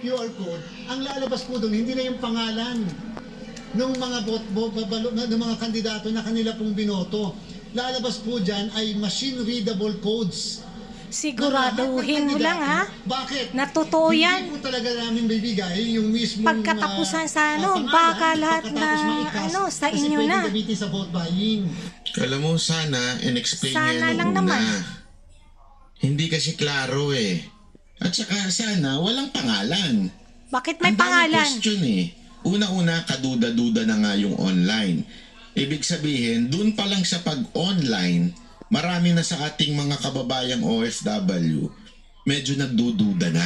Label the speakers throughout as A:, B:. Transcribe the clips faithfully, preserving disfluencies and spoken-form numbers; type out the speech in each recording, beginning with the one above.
A: Q R code, ang lalabas po doon, hindi na yung pangalan ng mga bot, bo, babalo, ng mga kandidato na kanila pong binoto. Lalabas po dyan ay machine-readable codes.
B: Siguraduhin mo lang ha.
A: Bakit?
B: Na totoo yan.
A: Hindi po talaga namin bibigay yung mismong
B: Pagkatapusan sa ano,
A: uh, pangalan,
B: baka lahat na
A: maikas,
B: ano, sa
A: kasi
B: inyo na.
A: Kasi pwede gamitin sa vote buying.
C: Alam mo, sana in-explain
B: Sana
C: niya
B: lang
C: nung una.
B: naman.
C: Hindi kasi klaro eh. At saka sana walang pangalan.
B: Bakit may
C: Ang daming
B: pangalan?
C: question eh. Una-una, kaduda-duda na nga yung online. Ibig sabihin, dun pa lang sa pag-online, marami na sa ating mga kababayang O F W, medyo nagdududa na.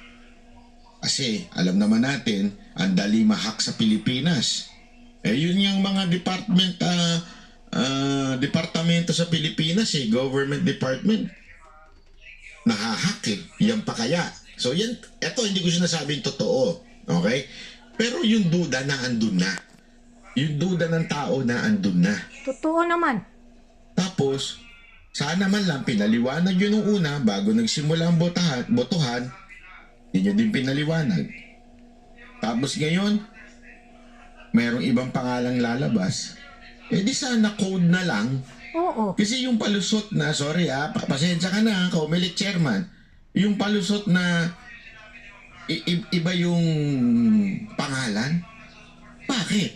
C: Kasi alam naman natin, ang dali mahak sa Pilipinas. Eh yun yung mga department, uh, uh, departamento sa Pilipinas eh, government department. Nahahak eh, yan pa kaya. So yan, eto hindi ko sinasabing totoo, okay? Pero yung duda na andun na. Yung duda ng tao na andun na.
B: Totoo naman.
C: Tapos, sana man lang pinaliwanag yun nung una bago nagsimula ang botahan, botohan, hindi nyo din pinaliwanag. Tapos ngayon, mayroong ibang pangalang lalabas. Eh di sana code na lang.
B: Oo.
C: Kasi yung palusot na, sorry ah, pasensya ka na, Comelec chairman, yung palusot na i- i- iba yung pangalan, bakit?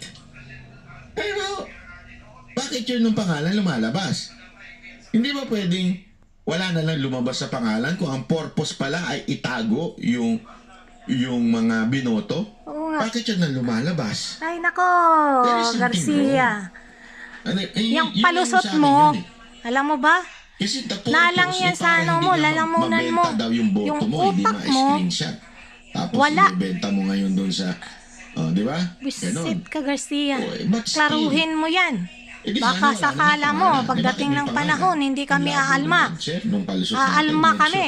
C: Pero, bakit yun yung pangalan lumalabas? Hindi ba pwedeng wala na lang lumabas sa pangalan kung ang purpose pala ay itago yung yung mga binoto?
B: Oo nga.
C: Bakit yun na lumalabas?
B: Ay nako,
C: There is something
B: Garcia.
C: Ano, eh, yun-
B: Yung
C: yun
B: palusot
C: sa akin
B: mo,
C: yun eh.
B: alam mo ba?
C: Kasi the purpose,
B: Nalang yan
C: eh,
B: sa
C: para
B: ano
C: hindi
B: mo,
C: nga
B: lalamunan
C: mabenta
B: mo.
C: daw yung boto
B: Yung
C: mo, hindi
B: utak mo,
C: ma-screenshot. Tapos
B: wala.
C: ibebenta mo ngayon doon sa, oh, di ba?
B: Bisit
C: Ganon.
B: ka, Garcia.
C: Oh, eh, but still,
B: Klaruhin mo yan.
C: eh, di
B: Baka
C: sana wala
B: sakala
C: namang
B: mo,
C: pangalan. Eh,
B: pagdating
C: bakit
B: ng
C: may
B: panahon,
C: pangalan?
B: hindi kami
C: Ang labo
B: aalma.
C: naman, sir, nung palusot natin,
B: Aalma
C: medyo
B: kami.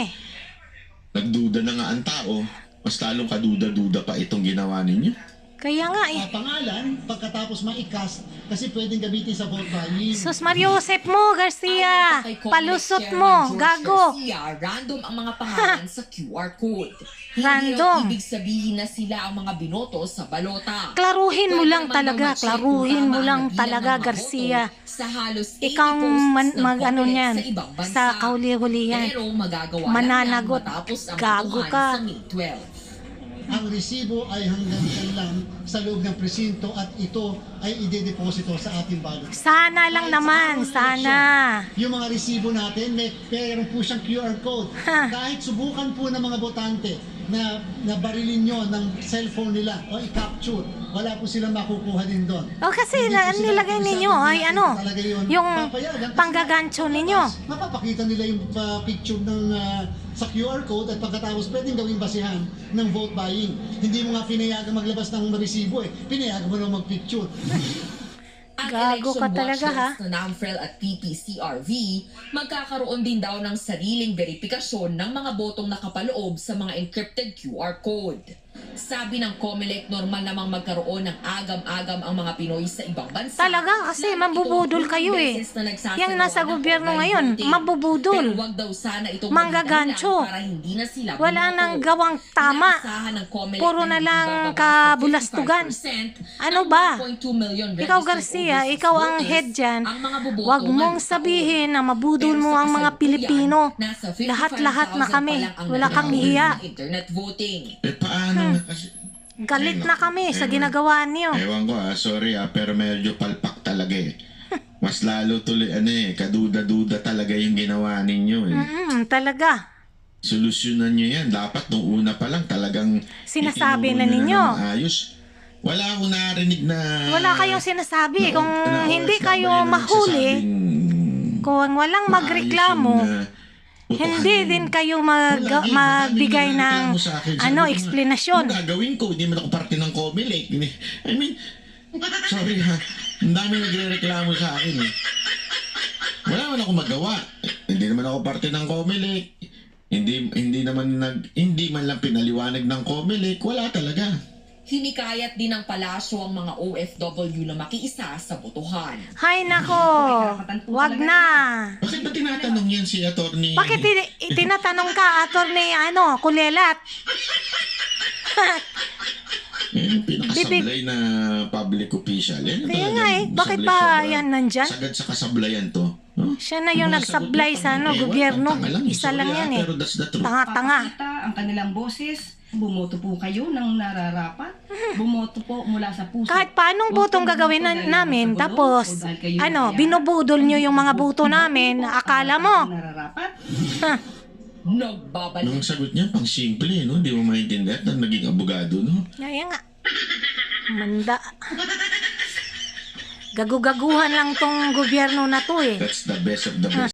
C: Nagduda na nga ang tao, mas talong kaduda-duda pa itong ginawa ninyo.
B: Kaya nga eh.
A: Uh, pangalan, pagkatapos ma-cast, kasi pwedeng gamitin sa vote buying.
B: Sus Mariosep mo, Garcia. Palusot mo, gago.
D: Garcia, random ang mga pangalan sa Q R code.
B: Random.
D: Hindi ibig sabihin na sila ang mga binoto sa balota.
B: Klaruhin mo lang
D: Pwede man
B: talaga,
D: daw ma-check
B: klaruhin
D: kung
B: mo
D: tama
B: lang
D: ang bilang
B: talaga,
D: ng mga
B: Garcia.
D: boto Sa halos eighty
B: Ikaw
D: posts
B: man,
D: ng
B: mag ano
D: Comelec
B: niyan,
D: sa ibang bansa.
B: sa kauli-hulihan.
D: Pero magagawa
B: Mananagot.
D: lang yan matapos ang
B: Gago
D: botohan
B: ka.
D: sa May twelve.
A: Ang resibo ay hanggang dyan lang sa loob ng presinto at ito ay idedeposito sa ating ballot.
B: Sana lang
A: Kahit
B: naman,
A: sa anong
B: sana.
A: eleksyon, yung mga resibo natin, may meron po siyang Q R code.
B: Ha.
A: Kahit subukan po ng mga botante na nabarilin nyo ng cellphone nila o i-capture, wala po silang makukuha din doon.
B: O kasi
A: Hindi
B: na,
A: po sila
B: nilagay
A: makisabi
B: ninyo
A: na
B: ay
A: natin
B: ano,
A: talaga yun
B: yung
A: papayagan kasi
B: panggagancho ninyo.
A: mapapakita nila yung uh, picture ng uh, sa Q R code at pagkatapos pwedeng gawing basihan ng vote buying. Hindi mo nga pinayagan maglabas ng resibo eh. Pinayagan mo na mag-picture.
D: Ang
B: Gago ka
D: election
B: talaga, ha?
D: watchers na NAMFREL at P P C R V magkakaroon din daw ng sariling verifikasyon ng mga botong nakapaloob sa mga encrypted Q R code. Sabi ng Comelec, normal namang magkaroon ng agam-agam ang mga Pinoy sa ibang bansa.
B: Talaga, kasi
D: Lalo
B: mambubudol
D: itong
B: kayo eh.
D: beses na nagsasagawa
B: Yang nasa
D: ng
B: gobyerno
D: online
B: ngayon,
D: voting.
B: mabubudol.
D: Pero wag daw sana itong
B: Manggagancho.
D: maging dahilan para hindi na sila
B: Wala
D: bumoto.
B: nang gawang tama.
D: Inaasahan ng Comelec
B: Puro na
D: hindi
B: lang
D: bababa sa
B: kabulastugan.
D: fifty-five percent
B: Ano
D: ang
B: ba?
D: one point two million
B: Ikaw
D: registered
B: Garcia,
D: overseas
B: ikaw ang
D: voters
B: head dyan.
D: ang mga boboto
B: Huwag mong
D: ngayong
B: sabihin na
D: taon.
B: mabudol
D: Pero
B: mo
D: sa
B: ang mga
D: kasalukuyan,
B: Pilipino.
D: nasa fifty-five
B: Lahat-lahat na
D: thousand
B: kami.
D: pa lang ang
B: Wala kang
D: nag-download
B: hiya.
D: ng internet voting.
C: Eh paano
B: Hmm.
C: nga kasi?
B: Galit
C: Ay,
B: na
C: naku.
B: kami sa
C: Ewan.
B: ginagawa niyo.
C: Ewan ko ah, sorry ah, pero medyo palpak talaga eh. Mas lalo tuloy, ano eh, kaduda-duda talaga yung ginawa ninyo eh.
B: Mm, talaga.
C: Solusyonan nyo yan. Dapat nung una pa lang talagang
B: Sinasabi
C: itinuro
B: na
C: nyo
B: ninyo.
C: ng ayos. Wala akong narinig na...
B: Wala kayong sinasabi.
C: na-
B: Kung
C: na
B: hindi
C: O F W
B: kayo
C: na
B: mahuli,
C: nagsasabing
B: kung walang
C: maayos
B: magreklamo,
C: yung, ah, botohan
B: hindi
C: ninyo.
B: din kayo mag,
C: Wala, eh,
B: magbigay
C: madaming
B: ng
C: nagreklamo sa akin. Sabi
B: ano
C: ko nga,
B: explanation.
C: Ano gagawin ko? Hindi man ako parte ng Comelec. Hindi- I mean, sorry ha. Ang dami nagre-reklamo sa akin eh. Wala man ako magawa. Eh, Hindi naman ako parte ng Comelec. Hindi hindi naman nag hindi man lang pinaliwanag ng Comelec. Wala talaga.
D: Hinikayat din ng palasyo ang mga O F W na makiisa sa botohan.
B: Hay nako, wag na.
C: Bakit ba tinatanong yan si attorney?
B: Bakit tin- tinatanong ka, attorney, ano, kulelat?
C: Yan yung pinakasablay na public official. Yan yung
B: Kaya
C: talagang
B: nga eh, bakit
C: sablay
B: ba
C: sobra.
B: yan nandyan?
C: Sagad sa kasablayan to. No?
B: Siya na yung
C: Mga
B: nagsablay
C: sagot
B: sa
C: lang,
B: ano,
C: eh,
B: gobyerno.
C: tanga lang,
B: Isa lang
C: sorry,
B: yan
C: ah,
B: eh.
C: Pero that's the truth.
B: Tanga-tanga.
E: Papakita ang kanilang boses. Bumoto po kayo ng nararapat. Bumoto po mula sa puso.
B: Kahit paanong
E: Huwag
B: botong
E: po
B: gagawin
E: bumoto
B: na,
E: dahil
B: namin,
E: nasa gulo
B: tapos,
E: o dahil kayo
B: ano,
E: naiyak.
B: binubudol nyo yung mga boto namin,
E: Bumoto po
B: akala
E: ang
B: mo.
E: nararapat.
D: Nagbabalik
C: Nung sagot niya, pang simple, no? Di mo maintindihan na naging abogado, no?
B: Kaya nga. Manda. Gagu-gaguhan lang tong gobyerno na to eh.
C: That's the best of the best.